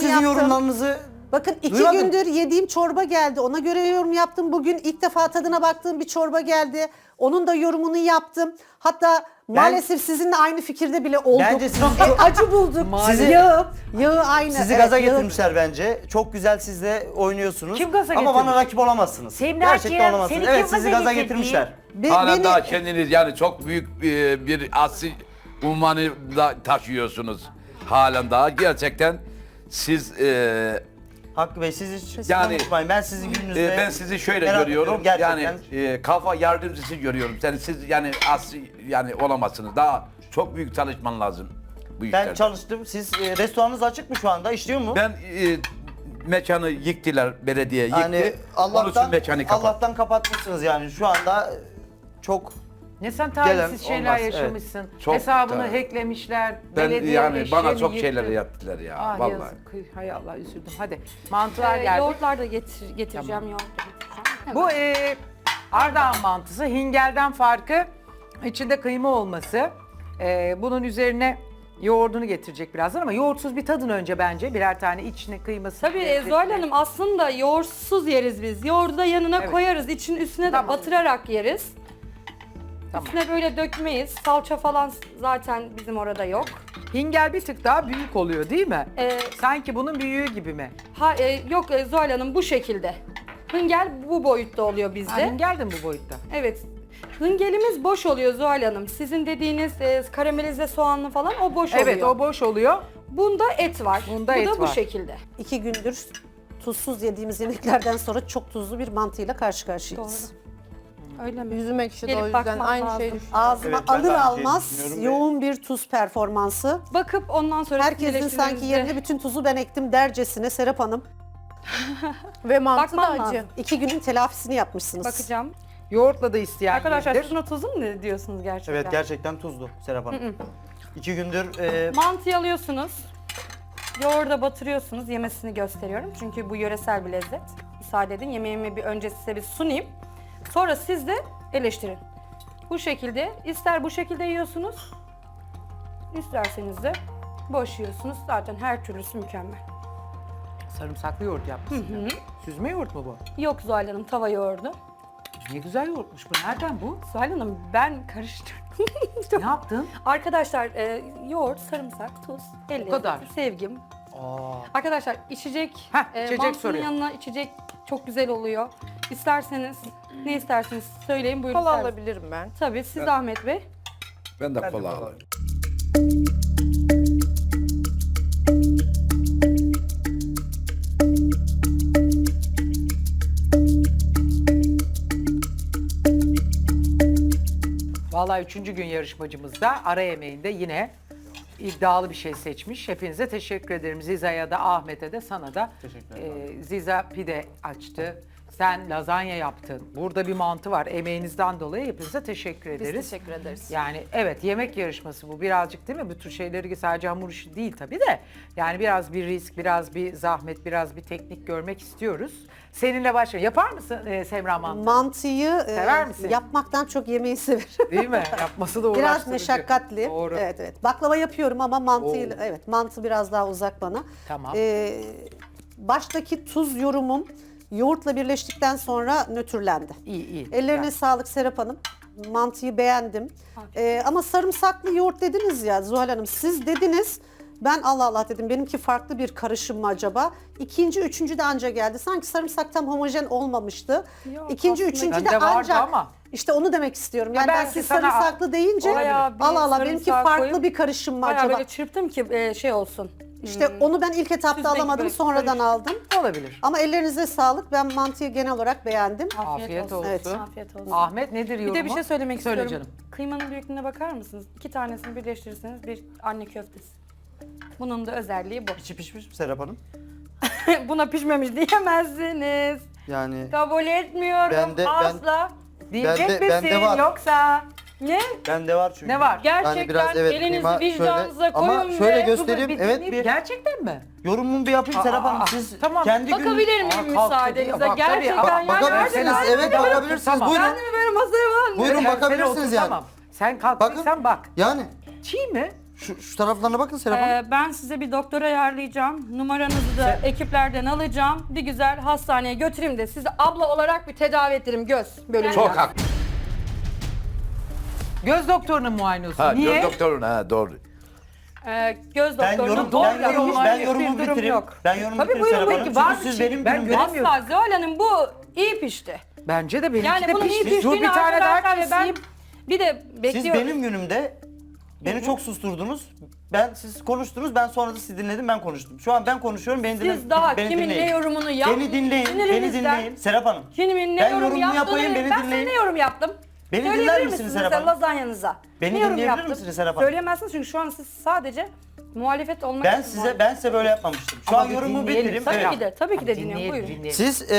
sizin yaptım. yorumlarınızı Bakın 2 duymadım. gündür yediğim çorba geldi. Ona göre yorum yaptım. Bugün ilk defa tadına baktığım bir çorba geldi. Onun da yorumunu yaptım. Hatta maalesef sizinle aynı fikirde bile olduk. Bence sizi çok- acı bulduk. Sizi- Yağı aynı. Sizi Evet, gaza yağı- getirmişler bence. Çok güzel siz de oynuyorsunuz. Kim gaza Ama bana getirmiş? rakip olamazsınız. Semra'cığım, Gerçekten olamazsınız. seni Evet kim sizi gaza gaza getirdi? getirmişler. Hala beni- daha kendiniz yani çok büyük bir asil unvanı da taşıyorsunuz. Halen daha gerçekten siz Hakkı Bey siz hiç Yani, konuşmayın. Ben sizin gününüzde ben sizi şöyle merak görüyorum. ediyorum Yani gerçekten. kafa yardımcısı görüyorum. Siz yani asil yani olamazsınız. Daha çok büyük çalışman lazım bu Ben işlerde. çalıştım. Siz restoranınız açık mı şu anda? İşliyor mu? Ben mekanı yıktılar, belediye yıktı. Yani Onun için mekanı kapattı. Allah'tan kapatmışsınız yani. Şu anda çok Ne sen Gelen talihsiz şeyler olmaz, yaşamışsın. Çok Hesabını da- hacklemişler. Ben belediye yani bana eşeğini çok yıktı. şeyler yaptılar ya Ah vallahi. yazık. Hay Allah üzüldüm. Hadi mantılar geldi. Yoğurtlar da getireceğim, yoğurt da getireceğim. Hemen. Bu Ardahan mantısı hingelden farkı içinde kıyma olması. Bunun üzerine yoğurdunu getirecek birazdan ama yoğurtsuz bir tadın önce bence birer tane içine kıyması. Tabii Zuhal Hanım aslında yoğurtsuz yeriz biz. Yoğurdu da yanına Evet. koyarız. Üstüne Tamam. de batırarak yeriz. Tamam. Üstüne böyle dökmeyiz. Salça falan zaten bizim orada yok. Hingel bir tık daha büyük oluyor değil mi? Ee, Sanki bunun büyüğü gibi mi? Yok Zuhal Hanım bu şekilde. Hıngel bu boyutta oluyor Ha, bizde. hingel de mi bu boyutta? Evet. Hıngelimiz boş oluyor Zuhal Hanım. Sizin dediğiniz karamelize soğanlı falan o boş oluyor. Evet o boş oluyor. Bunda et var. Bunda bu et da bu var. şekilde. 2 gündür tuzsuz yediğimiz yemeklerden sonra çok tuzlu bir mantıyla karşı karşıyayız. Öyle mi? Yüzüm ekşidi o Gelip yüzden bakmak aynı lazım. şeyi düşünüyorum. Ağzıma Evet, ben de alır aynı şeyi almaz düşünüyorum ve- yoğun bir tuz performansı. Bakıp ondan sonra Herkesin sanki yerine bütün tuzu ben ektim dercesine Serap Hanım. Ve mantı da Bakmam acı. lazım. 2 günün telafisini yapmışsınız. bakacağım. Yoğurtla da isteyen Arkadaşlar yiyebilir. tuzuna tuzlu mu diyorsunuz gerçekten? evet gerçekten tuzlu Serap Hanım. 2 gündür Mantıyı alıyorsunuz. Yoğurda batırıyorsunuz. Yemesini gösteriyorum. Çünkü bu yöresel bir lezzet. Müsaade edin. Yemeğimi bir önce size bir sunayım. Sonra siz de eleştirin. Bu şekilde. İster bu şekilde yiyorsunuz. İsterseniz de boş yiyorsunuz. Zaten her türlüsü mükemmel. Sarımsaklı yoğurt yapmışsın. ya. Süzme yoğurt mu bu? Yok Zuhal Hanım tava yoğurdu. Ne güzel yoğurtmuş bu. Nereden bu? Zuhal Hanım ben karıştırdım. Ne yaptın? Arkadaşlar yoğurt, sarımsak, tuz, el kadar. lezzeti, sevgim. Arkadaşlar içecek, içecek mantının soruyor. yanına içecek çok güzel oluyor. İsterseniz, ne isterseniz söyleyin buyurun. Kola servis. alabilirim ben. Tabii siz de Ahmet Bey. Ben de kola alırım. Vallahi 3. gün yarışmacımız da ara yemeğinde yine iddialı bir şey seçmiş. Hepinize teşekkür ederim. Ziza'ya da Ahmet'e de sana da. Ziza pide açtı. Sen lazanya yaptın. Burada bir mantı var. Emeğinizden dolayı hepinize teşekkür ederiz. teşekkür ederiz. Yani evet yemek yarışması bu birazcık değil mi? Bu tür şeyleri sadece hamur işi değil tabii de. Yani biraz bir risk, biraz bir zahmet, biraz bir teknik görmek istiyoruz. Seninle başlayalım. Yapar mısın Semra mantı? Mantıyı Sever misin? yapmaktan çok yemeği severim. Değil mi? Yapması da uğraştırıcı. Biraz meşakkatli. Doğru. Evet evet. Baklava yapıyorum ama mantıyla Oo. evet mantı biraz daha uzak bana. Tamam. Baştaki tuz yorumum yoğurtla birleştikten sonra nötrlendi. İyi iyi. Ellerine Güzel. sağlık Serap Hanım. Mantıyı beğendim. Ama sarımsaklı yoğurt dediniz ya Zuhal Hanım. Siz dediniz. Ben Allah Allah dedim. Benimki farklı bir karışım mı acaba? İkinci, üçüncü de anca geldi. Sanki sarımsak tam homojen olmamıştı. Yok, İkinci, aslında üçüncü de bende vardı ancak. ama. İşte onu demek istiyorum. Yani ben belki siz sana- sarımsaklı deyince Bayağı bir Allah Allah benimki sarımsak farklı koyup bir karışım mı Bayağı acaba? böyle çırptım ki şey olsun. İşte onu ben ilk etapta Süzdeki alamadım. böyle Sonradan karışık. aldım. Olabilir. Ama ellerinize sağlık. Ben mantıyı genel olarak beğendim. Afiyet olsun. Evet. Afiyet olsun. Ahmet nedir Bir yorumu? de bir şey söylemek Söyle istiyorum. canım. Kıymanın büyüklüğüne bakar mısınız? 2 tanesini birleştirirseniz bir anne köftesi. Bunun da özelliği bu. içi pişmiş mi Serap Hanım? Buna pişmemiş diyemezsiniz. Yani Kabul etmiyorum asla. Diyecek Bende- misin bende var. yoksa? Ne? bende var çünkü. Ne var? Gerçekten Yani biraz evet elinizi kıyma vicdanınıza şöyle koyun ama şöyle ve göstereyim. Bir Evet dinleyip- bir Gerçekten mi? yorumumu bir yapayım Serap Aa, Hanım. Siz tamam. kendi gün bakabilir miyim kalktı müsaadenizle? diyor. Bak, tabii. Gerçekten yani bakabilirsiniz. gerçekten- Evet bakabilirsiniz. Tamam. Buyurun. Kendimi böyle masaya var. Buyurun Sen bakabilirsiniz otur, yani. Tamam. Sen kalktıysan bak. Yani Çiğ mi? Şu taraflarına bakın Serap Hanım. Ben size bir doktor ayarlayacağım. Numaranızı da ekiplerden alacağım. Bir güzel hastaneye götüreyim de sizi abla olarak bir tedavi ettirim göz bölümünden. Çok haklı. Göz doktorunun muayenesi. Ha, Niye? göz doktorun ha doğru. Göz Ben doktorunun yorumumu durum bitireyim. yok. Ben yorumumu Tabii bitireyim buyurun, Serap peki, Hanım. var Çünkü mı siz şey? benim Ben günümde... Asla Zuhal Hanım bu iyi pişti. Bence de benimki Yani de bunun iyi pişti. Dur piştiğini bir tane daha arkadaşlar ve ben keseyim. bir de Siz bekliyorum. benim günümde beni çok susturdunuz. Siz konuştunuz, ben sonra da sizi dinledim, ben konuştum. Şu an ben konuşuyorum, beni dinleyin. Siz daha beni kimin dinleyin. ne yorumunu Beni dinleyin, beni dinleyin. Serap Hanım. Kimin ne Ben yorum yorumumu yaptığını yapayım, beni ben size dinleyin. ne yorum yaptım? Beni Söyleyebilir dinler misiniz misiniz Serap mesela Hanım? lazanyanıza? Beni Ne yorum dinleyebilir yaptım? misiniz Serap Hanım? Söyleyemezsiniz çünkü şu an siz sadece muhalefet olmak Ben için size böyle yapmamıştım. Şu Ama an bir yorumumu dinleyelim. bitireyim. Tabii Evet. ki de, tabii ki de dinliyorum. Dinleyelim, Buyurun. dinleyelim. Siz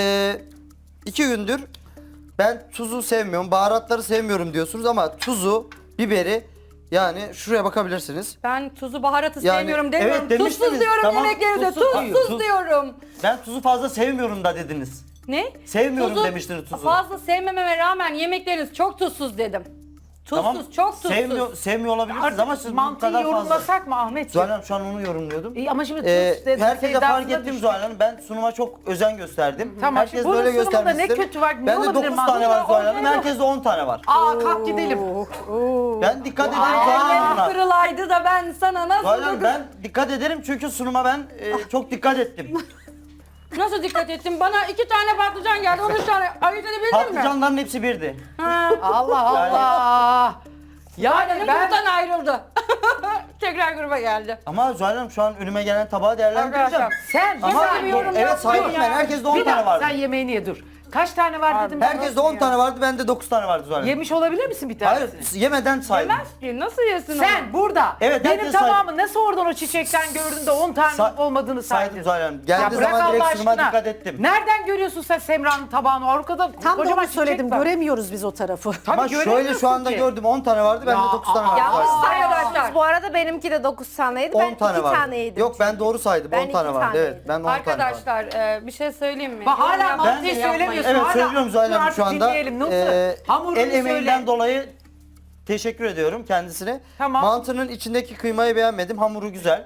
2 gündür ben tuzu sevmiyorum, baharatları sevmiyorum diyorsunuz ama tuzu, biberi yani şuraya bakabilirsiniz. Ben tuzu baharatı Yani, sevmiyorum demiyorum. evet, Tuzsuz demiştiniz. diyorum Tamam, yemeklerinize. tuzsuz. Tuzsuz Tuz. diyorum. Ben tuzu fazla sevmiyorum da dediniz. Ne? Sevmiyorum demiştiniz tuzu. Fazla sevmememe rağmen yemekleriniz çok tuzsuz dedim. Tuzsuz, Tamam, çok tuzsuz. Sevmiyor olabilirsiniz ama siz bu mantıyı kadar fazla. yorumlasak mı Ahmetciğim? Zuhal Hanım şu an onu yorumluyordum. Ama şimdi tuz dedin, herkese sevdasına fark ettim düştük. Zuhal Hanım. Ben sunuma çok özen gösterdim. Tamam, Herkes şimdi bunun böyle sunumunda ne göstermiştir. kötü var, ne Bende olabilir 9 tane mantı? var Zuhal Hanım. Olmuyor. Herkeste 10 tane var. Aa kalk gidelim. Ben dikkat ederim Zuhal Ellerim Hanım'la. kırılaydı da ben sana nasıl Zuhal Hanım ben dikkat ederim çünkü sunuma ben çok dikkat ettim. nasıl dikkat ettim? Bana 2 tane patlıcan geldi, 13 tane ayırt edebildin mi? Patlıcanların hepsi birdi. Ha. Allah Allah. Yani Aynen ben gruptan ayrıldı. Tekrar gruba geldi. Ama Zuhal Hanım şu an önüme gelen tabağı değerlendireceğim. Arkadaşlar, sen Ama Güzel bir yorum evet yaptın saydım ya. ben. Herkeste 10 bir tane dakika vardı. sen yemeğini ye dur. Kaç tane var dedim. Herkeste 10 tane vardı. Bende 9 tane vardı Zuhal Hanım. Yemiş olabilir misin bir Hayır tanesini? yemeden saydım. Yemez ki, nasıl yesin Sen onu? burada Evet, benim herkes tamamı nasıl oradan o çiçekten gördün de 10 tane Sa- olmadığını saydım saydın. Zuhal Hanım. Ya Geldiği bırak zaman Allah direkt sunuma aşkına. dikkat ettim. Nereden görüyorsun sen Semra'nın tabağını? Arkada Tam da kocaman onu çiçek söyledim. var. Göremiyoruz biz o tarafı. Tabii Ama şöyle göremiyorsun şu anda ki. gördüm 10 tane vardı. Bende Ya, 9 tane vardı. Ya Zuhal Hanım. arkadaşlar. Bu arada benimki de 9 taneydi. Ben 10 tane 2 vardı. tane yedim. Yok ben doğru saydım. Ben 10 tane 2 vardı. tane Evet yedim. ben 10 tane vardı. Arkadaşlar bir şey söyleyeyim mi? Bak hala Yorum yapmayın, mantıyı yapmayın. söylemiyorsun. Evet Hala- söylüyorum Zuhal Dur Hanım artık şu anda. dinleyelim. Nasıl? Hamurunu El emeğinden söyle. dolayı teşekkür ediyorum kendisine. Tamam. Mantının içindeki kıymayı beğenmedim. Hamuru güzel.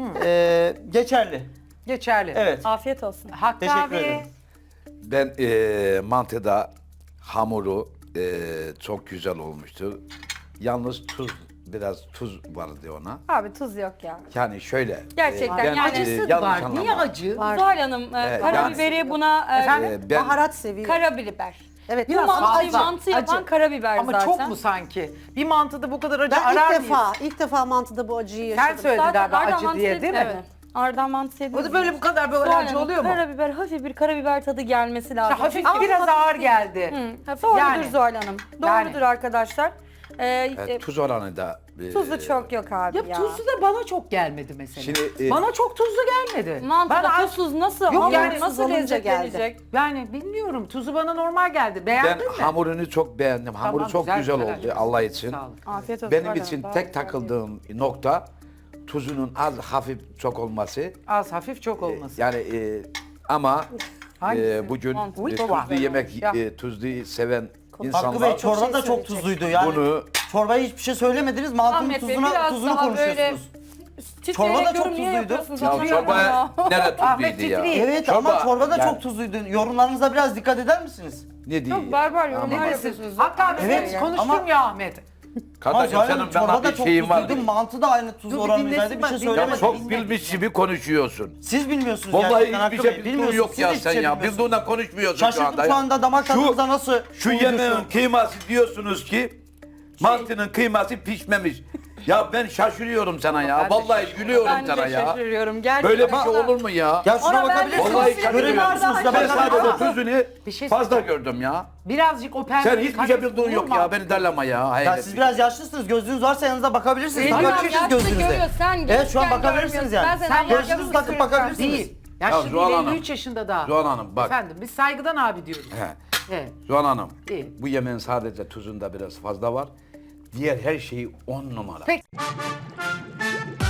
Geçerli. Geçerli. Evet. Afiyet olsun. Hakkı Teşekkür abi. ederim. Ben mantıda hamuru çok güzel olmuştu. Yalnız biraz tuz vardı ona. Abi tuz yok ya. Yani şöyle. Gerçekten ben, yani Acısı yanlış var. anlama. Niye acı? Zuhal Hanım Evet, karabiberi buna Efendim? Ben Baharat seviyor. karabiber. Evet Bu biraz mantıyı fazla. mantı yapan Acı. karabiber Ama zaten. çok mu sanki? Bir mantıda bu kadar acı Ben arar ilk defa mantıda bu acıyı Sen yaşadım. söyledin Zaten galiba Ardahan acı mantısı diye değil mi? yediniz mi? Ardahan mantısı yediniz O da mi? böyle bu kadar böyle Zuhal acı Hanım, oluyor mu? Karabiber, hafif bir karabiber tadı gelmesi lazım. İşte hafif Ama biraz hafif ağır değil. geldi. Doğrudur Yani. Zuhal Hanım. Yani. Doğrudur arkadaşlar. Tuz oranı da. Tuzu çok yok abi ya. Ya tuzlu da bana çok gelmedi mesela. Şimdi, bana çok tuzlu gelmedi. Mantıda Bana tuzsuz nasıl? Yok, Hamur yani nasıl olunca lezzetlenecek? Yani bilmiyorum tuzu bana normal geldi. Ben Beğendin mi? hamurunu çok beğendim. Hamuru Tamam, çok güzel oldu güzel. Allah için. Sağ olun. Afiyet olsun. Benim Zuhal için Hanım, tek daha takıldığım nokta tuzunun az hafif çok olması. Az hafif çok olması. Yani ama Hangisi? bugün Mantı. tuzlu yemek Ya. Tuzlu seven Hakkı insanlar Bey çorba şey da çok söyleyecek. tuzluydu yani. bunu Çorbaya hiçbir şey söylemediniz. Mantının Ahmet Bey, biraz tuzunu daha konuşuyorsunuz. Titreyerek Çorba da çok yorum niye tuzluydu. yapıyorsunuz? ya Hatırlamıyorum çorba ya. nerede Ahmet tuzluydu ya? titriyor. Evet ama çorba da yani çok tuzluydu. Yorumlarınıza biraz dikkat eder misiniz? Ne diyor? Çok barbar yorumlar Ama- yapıyorsunuz. Hakkı abi Evet, evet, konuştun ama- ya Ahmet. Ama Kardeşim Zuhal senin Hanım bana çorba da bir çok şeyin var. tuzluydu. Mantı da aynı tuz Dur bir oranındaydı. dinlesin Bir bak, şey dinle. Ya söylemedim. çok bilmiş gibi konuşuyorsun. Siz bilmiyorsunuz Vallahi gerçekten hiçbir Hakkı şey Bey. bildiğin Bilmiyorsunuz. yok Siz ya hiçbir sen şey ya. bilmiyorsunuz. Bildiğinden konuşmuyorsun şu Şaşırdım anda. şu anda damak tadınıza nasıl Şu uyuyorsun? yemeğin kıyması diyorsunuz ki mantının kıyması pişmemiş. Ya ben şaşırıyorum sana ya. Ben de Vallahi gülüyorum Ben sana de ya. şaşırıyorum. Gerçekten. Böyle bir şey olur mu ya? Ya şuna Ona ben de bakabilirsiniz. Vallahi şaşırıyorum. Göremiyor musunuz? Ben Ben sadece tuzunu Bir şey fazla söyleyeceğim. gördüm ya. Birazcık o pembe. Sen hiçbir şey bildiğin yok ya. Beni darlama ya. Ya Hayret. siz biraz yaşlısınız. Gözlüğünüz varsa yanınıza bakabilirsiniz. Tamam, Bakabilirsiniz yaşlı gözlüğünüze. görüyor, sen Evet şu an gençken bakabilirsiniz görmüyorsun. yani. Ben seni Gözlüğünüzü anlayacağım, takıp bakabilirsiniz. Değil. Yaşlı Ya değil, Zuhal Hanım. 53 yaşında daha. Zuhal Hanım bak. Efendim biz saygıdan abi diyoruz. He. Evet. Zuhal Hanım. İyi. Bu yemeğin sadece tuzunda biraz fazla var. Diğer her şeyi 10 numara. Peki.